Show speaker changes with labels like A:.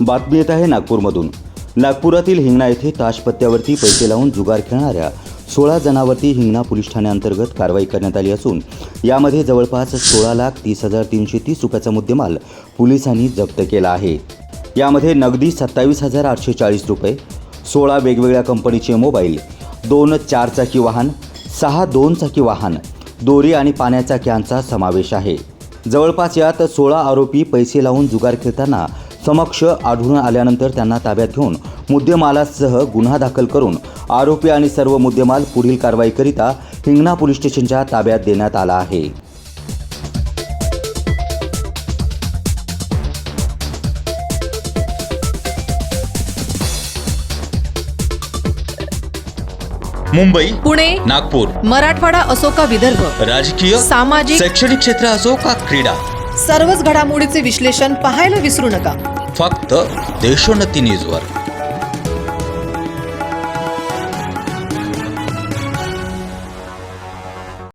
A: बातमी येत आहे नागपूरमधून। नागपुरातील हिंगणा येथे ताशपत्त्यावरती पैसे लावून जुगार खेळणाऱ्या 16 जणांवरती हिंगणा पोलीस ठाण्याअंतर्गत कारवाई करण्यात आली असून यामध्ये जवळपास 16,30,330 रुपयाचा मुद्देमाल पोलिसांनी जप्त केला आहे। यामध्ये नगदी 27,840 रुपये, 16 वेगवेगळ्या कंपनीचे मोबाईल, 2 4-चाकी वाहन, 6 2-चाकी वाहन, दोरी आणि पाण्याचा कॅनचा समावेश आहे। जवळपास यात 16 आरोपी पैसे लावून जुगार खेळताना समक्ष आढळून आल्यानंतर त्यांना ताब्यात घेऊन मुद्देमालासह गुन्हा दाखल करून आरोपी आणि सर्व मुद्देमाल पुढील कारवाईकरिता हिंगणा पोलीस स्टेशनच्या ताब्यात देण्यात आला आहे।
B: मुंबई,
C: पुणे,
B: नागपूर,
C: मराठवाडा असो का विदर्भ,
B: राजकीय,
C: सामाजिक,
B: शैक्षणिक क्षेत्र असो का क्रीडा,
C: सर्वच घडामोडीचे विश्लेषण पाहायला विसरू नका।
B: फक्त देशोन्नती न्यूजवर।